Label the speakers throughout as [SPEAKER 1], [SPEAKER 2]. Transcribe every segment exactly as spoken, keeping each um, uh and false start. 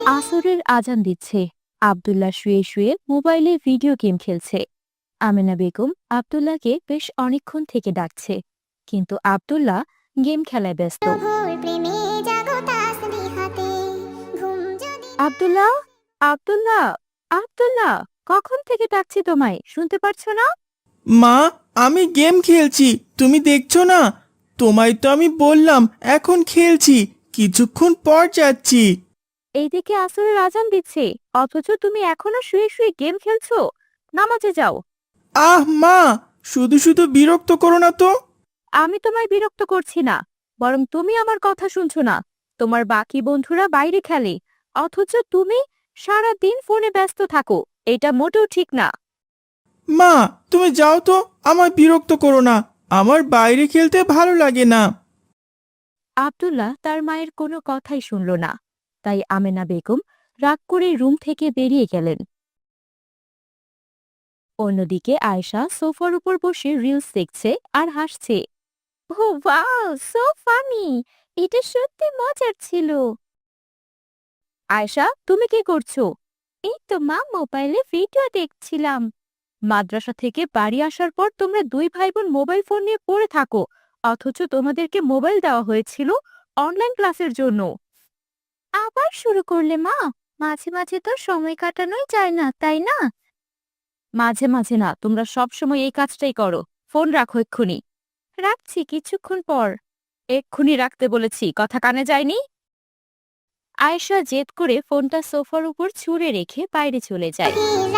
[SPEAKER 1] আসরের আজান দিচ্ছে। আব্দুল্লাহ শুয়ে শুয়ে মোবাইলে ভিডিও গেম খেলছে। আমেনা বেগম আব্দুল্লাহকে বেশ অনেকক্ষণ থেকে ডাকছে, কিন্তু আব্দুল্লাহ গেম খেলায় ব্যস্ত। আব্দুল্লাহ, আব্দুল্লাহ, আব্দুল্লাহ, কখন থেকে ডাকছি তোমায়, শুনতে পারছো না?
[SPEAKER 2] মা, আমি গেম খেলছি, তুমি দেখছো না? তোমায় তো আমি বললাম এখন খেলছি, কিছুক্ষণ পর যাচ্ছি।
[SPEAKER 1] এইদিকে আসরের আজান দিচ্ছে, অথচ তুমি এখনো শুয়ে শুয়ে গেম খেলছো। নামাজে যাও।
[SPEAKER 2] আহ মা, শুধু শুধু বিরক্ত করো না তো।
[SPEAKER 1] আমি তোমায় বিরক্ত করছি না, বরং তুমি আমার কথা শুনছো না। তোমার বাকি বন্ধুরা বাইরে খেলে, অথচ তুমি সারা দিন ফোনে ব্যস্ত থাকো। এটা মোটেও ঠিক না।
[SPEAKER 2] মা, তুমি যাও তো, আমায় বিরক্ত করো না। আমার বাইরে খেলতে ভালো লাগে না।
[SPEAKER 1] আব্দুল্লাহ তার মায়ের কোনো কথাই শুনল না, তাই আমেনা বেগম রাগ করে রুম থেকে বেরিয়ে গেলেন। অন্যদিকে আয়েশা সোফার উপর বসে রিলস দেখছে আর হাসছে। Oh wow, so funny! এটা সত্যি মজার ছিল। আয়েশা, তুমি কি করছো? এই তো মা, মোবাইলে ভিডিও দেখছিলাম। মাদ্রাসা থেকে বাড়ি আসার পর তোমরা দুই ভাই বোন মোবাইল ফোন নিয়ে পড়ে থাকো, অথচ তোমাদেরকে মোবাইল দেওয়া হয়েছিল অনলাইন ক্লাসের জন্য। আবার শুরু করলে মা? মাঝে মাঝে তো সময় কাটানোই যায় না, তাই না? মাঝে মাঝে না, তোমরা সব সময় এই কাজটাই করো। ফোন রাখো এক্ষুনি। রাখছি কিছুক্ষণ পর। এক্ষুনি রাখতে বলেছি, কথা কানে যায়নি? আয়েশা জেদ করে ফোনটা সোফার উপর ছুঁড়ে রেখে বাইরে চলে যায়।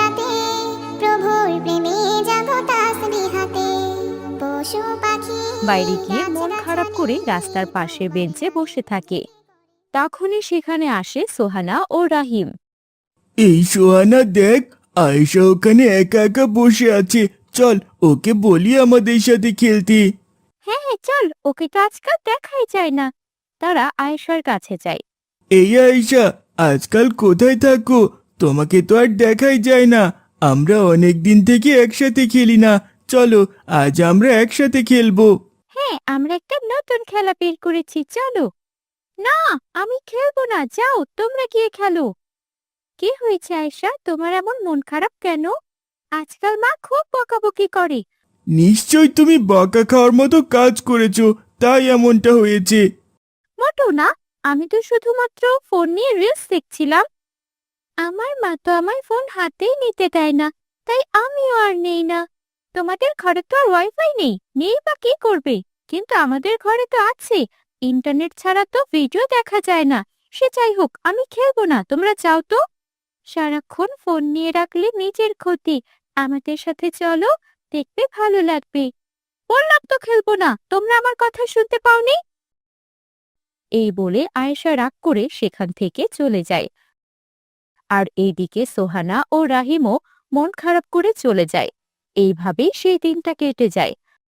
[SPEAKER 1] বাইরে গিয়ে মন খারাপ করে রাস্তার পাশে বেঞ্চে বসে থাকে। তখনই সেখানে আসে সোহানা ও রাহিম।
[SPEAKER 2] এই সোহানা দেখ, আয়েশা ওখানে একা একা বসে আছে, চল ওকে বলি আমাদের সাথে খেলতে।
[SPEAKER 1] হ্যাঁ হ্যাঁ, চল, ওকে তো আজকাল দেখাই যায় না। তারা আয়েশার কাছে যায়।
[SPEAKER 2] এই আয়েশা, আজকাল কোথায় থাকো? তোমাকে তো আর দেখাই যায় না। আমরা অনেক দিন থেকে একসাথে খেলি না, চলো আজ আমরা একসাথে খেলবো।
[SPEAKER 1] হ্যাঁ, আমরা একটা নতুন খেলা বের করেছি, চলো। না, আমি খেলবো না, যাও তোমরা গিয়ে খেলো। কি হয়েছে আয়েশা, তোমার এমন মন খারাপ কেন? আজকাল মা খুব বকাবকি করে।
[SPEAKER 2] নিশ্চয় তুমি বকা খাওয়ার মতো কাজ করেছো, তাই এমনটা হয়েছে।
[SPEAKER 1] মোটেও না, আমি তো শুধুমাত্র ফোন নিয়ে রিলস দেখছিলাম। আমার মা তো আমায় ফোন হাতেই নিতে দেয় না, তাই আমিও আর নেই না। তোমাদের ঘরে তো আর ওয়াইফাই নেই, নেই বা কি করবে? কিন্তু আমাদের ঘরে তো আছে। ইন্টারনেট ছাড়া তো ভিডিও দেখা যায় না। সে যাই হোক, আমি খেলবো না, তোমরা যাও তো। সারাক্ষণ ফোন নিয়ে রাখলে নিজের ক্ষতি। আমাদের সাথে চলো, দেখবে ভালো লাগবে। বললাম তো খেলবো না, তোমরা আমার কথা শুনতে পাওনি? এই বলে আয়েশা রাগ করে সেখান থেকে চলে যায়। আর এইদিকে সোহানা ও রাহিমও মন খারাপ করে চলে যায়। এইভাবেই সেই দিনটা কেটে যায়।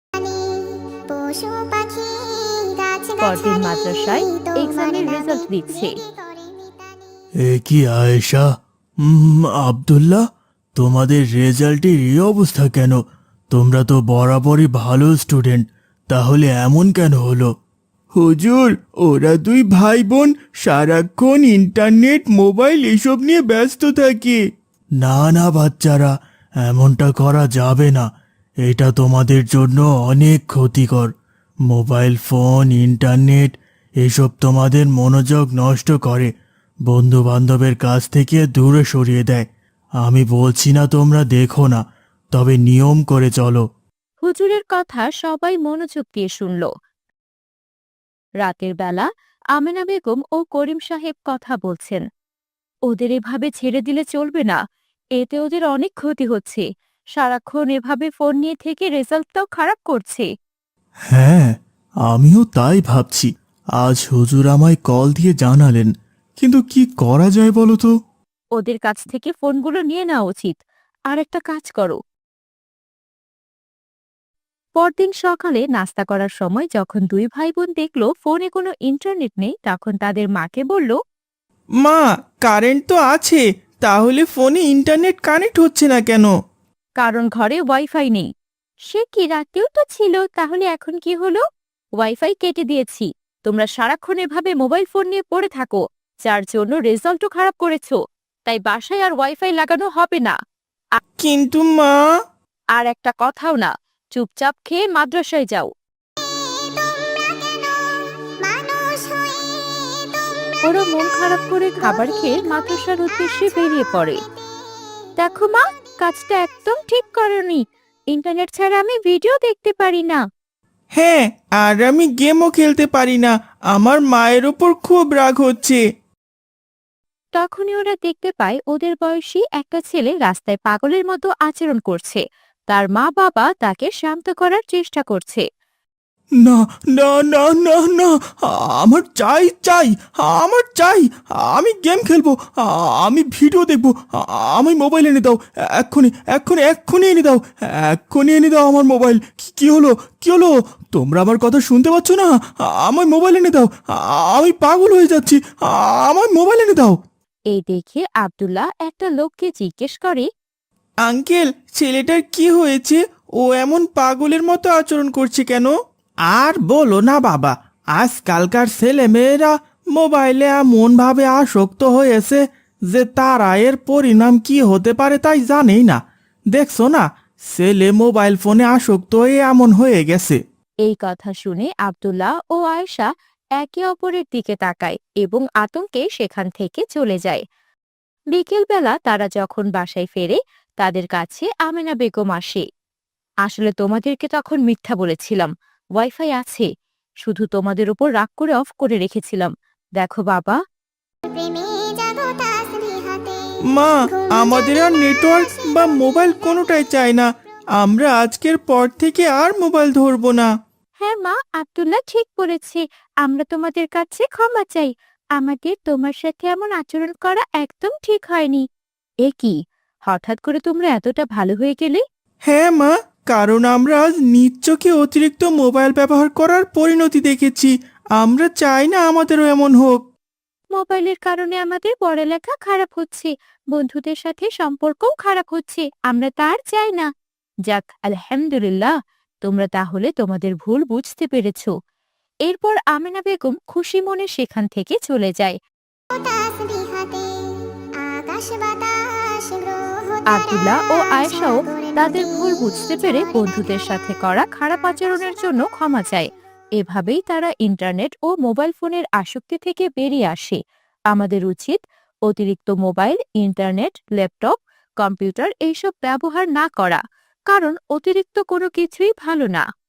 [SPEAKER 1] পরদিন মাদ্রাসায় এক্সামের রেজাল্ট দিচ্ছে।
[SPEAKER 2] এ কি আয়েশা, উম, আব্দুল্লাহ, তোমাদের রেজাল্টের এই অবস্থা কেন? তোমরা তো বরাবরই ভালো স্টুডেন্ট, তাহলে এমন কেন হলো? হুজুর, ওরা দুই ভাই বোন সারাক্ষণ ইন্টারনেট মোবাইল এসব নিয়ে ব্যস্ত থাকে। না না বাচ্চারা, এমনটা করা যাবে না। এটা তোমাদের জন্য অনেক ক্ষতিকর। মোবাইল ফোন, ইন্টারনেট এসব তোমাদের মনোযোগ নষ্ট করে, বন্ধু বান্ধবের কাছ থেকে দূরে সরিয়ে দেয়। আমি বলছি না তোমরা দেখো না, তবে নিয়ম করে চলো।
[SPEAKER 1] হুজুরের কথা সবাই মনোযোগ দিয়ে শুনল। রাতের বেলা আমেনা বেগম ও করিম সাহেব কথা বলছেন। ওদের এভাবে ছেড়ে দিলে চলবে না, এতে ওদের অনেক ক্ষতি হচ্ছে। সারাক্ষণ এভাবে ফোন নিয়ে থেকে রেজাল্টটাও খারাপ করছে।
[SPEAKER 2] হ্যাঁ, আমিও তাই ভাবছি। আজ হুজুর আমায় কল দিয়ে জানালেন, কিন্তু কি করা যায় বলো তো?
[SPEAKER 1] ওদের কাছ থেকে ফোনগুলো নিয়ে নেওয়া উচিত। আর একটা কাজ করো। পরদিন সকালে নাস্তা করার সময় যখন দুই ভাই বোন দেখলো ফোনে কোনো ইন্টারনেট নেই, তখন তাদের মাকে বলল,
[SPEAKER 2] মা, কারেন্ট তো আছে, তাহলে ফোনে ইন্টারনেট কানেক্ট হচ্ছে না কেন?
[SPEAKER 1] কারণ ঘরে ওয়াইফাই নেই। সে কি, রাতেও তো ছিল, তাহলে এখন কি হলো? ওয়াইফাই কেটে দিয়েছি। তোমরা সারাক্ষণ এভাবে মোবাইল ফোন নিয়ে পড়ে থাকো, যার জন্য রেজাল্টও খারাপ করেছো। তাই বাসায় আর ওয়াইফাই লাগানো হবে না।
[SPEAKER 3] কিন্তু মা,
[SPEAKER 1] আর একটা কথাও না, চুপচাপ খেয়ে মাদ্রাসায় যাও। ওরা মন খারাপ করে খাবার খেয়ে মাদ্রাসার উদ্দেশ্যে বেরিয়ে পড়ে। দেখো মা, কাজটা একদম ঠিক করনি। ইন্টারনেট ছাড়া আমি ভিডিও দেখতে পারি না।
[SPEAKER 3] হ্যাঁ, আর আমি গেমও খেলতে পারি না। আমার মায়ের ওপর খুব রাগ হচ্ছে।
[SPEAKER 1] তখনই ওরা দেখতে পায় ওদের বয়সী একটা ছেলে রাস্তায় পাগলের মতো আচরণ করছে। তার মা বাবা তাকে শান্ত করার চেষ্টা করছে।
[SPEAKER 3] না না না না না, আমার চাই চাই, আমার চাই। আমি গেম খেলবো, আমি ভিডিও দেখবো। আমি মোবাইল এনে দাও, এক্ষুনি এক্ষুনি এক্ষুনি এনে দাও, এক্ষুনি এনে দাও আমার মোবাইল। কি- কি হলো, কি হলো? তোমরা আমার কথা শুনতে পাচ্ছ না? আমার মোবাইল এনে দাও, আমি পাগল হয়ে যাচ্ছি। আমার মোবাইল এনে দাও।
[SPEAKER 1] এই দেখে আব্দুল্লাহ একটা লোককে জিজ্ঞেস করে,
[SPEAKER 3] আঙ্কেল, ছেলেটার কি হয়েছে? ও এমন পাগলের মতো আচরণ করছে কেন? আর বলো না বাবা, আজকালকার ছেলে মেয়েরা মোবাইলে এমন ভাবে আসক্ত হয়েছে যে তারা এর পরিণাম কি হতে পারে তাই জানেই না। দেখছো না, ছেলে মোবাইল ফোনে আসক্ত হয়ে এমন হয়ে গেছে।
[SPEAKER 1] এই কথা শুনে আব্দুল্লাহ ও আয়েশা একে অপরের দিকে তাকায় এবং আতঙ্কে সেখান থেকে চলে যায়। বিকেলবেলা তারা যখন বাসায় ফেরে, তাদের কাছে আমেনা বেগম আসে। আসলে তোমাদেরকে তখন মিথ্যা বলেছিলাম, ওয়াইফাই আছে, শুধু তোমাদের উপর রাগ করে অফ করে রেখেছিলাম। দেখো বাবা।
[SPEAKER 3] মা, আমাদের আর নেটওয়ার্ক বা মোবাইল কোনোটাই চাই না। আমরা আজকের পর থেকে আর মোবাইল ধরবো না।
[SPEAKER 1] হ্যাঁ মা, আব্দুল্লাহ ঠিক বলেছে। আমরা তোমাদের কাছে ক্ষমা চাই। আমাদের তোমার সাথে এমন আচরণ করা একদম ঠিক হয়নি। এ কি, হঠাৎ করে তোমরা এতটা ভালো হয়ে গেলে?
[SPEAKER 3] হ্যাঁ মা, কারণ আমরা আজ নিজ চোখে অতিরিক্ত মোবাইল ব্যবহার করার পরিণতি দেখেছি। আমরা চাই না আমাদেরও এমন হোক।
[SPEAKER 1] মোবাইলের কারণে আমাদের পড়ালেখা খারাপ হচ্ছে, বন্ধুদের সাথে সম্পর্কও খারাপ হচ্ছে। আমরা তার চাই না। যাক, আলহামদুলিল্লাহ, তোমরা তাহলে তোমাদের ভুল বুঝতে পেরেছো। এরপর আমেনা বেগম খুশি মনে সেখান থেকে চলে যায়। আব্দুল্লাহ ও আয়েশাও তাদের ভুল বুঝতে পেরে বন্ধুদের সাথে করা খারাপ আচরণের জন্য ক্ষমা চায়। এভাবেই তারা ইন্টারনেট ও মোবাইল ফোনের আসক্তি থেকে বেরিয়ে আসে। আমাদের উচিত অতিরিক্ত মোবাইল, ইন্টারনেট, ল্যাপটপ, কম্পিউটার এইসব ব্যবহার না করা, কারণ অতিরিক্ত কোনো কিছুই ভালো না।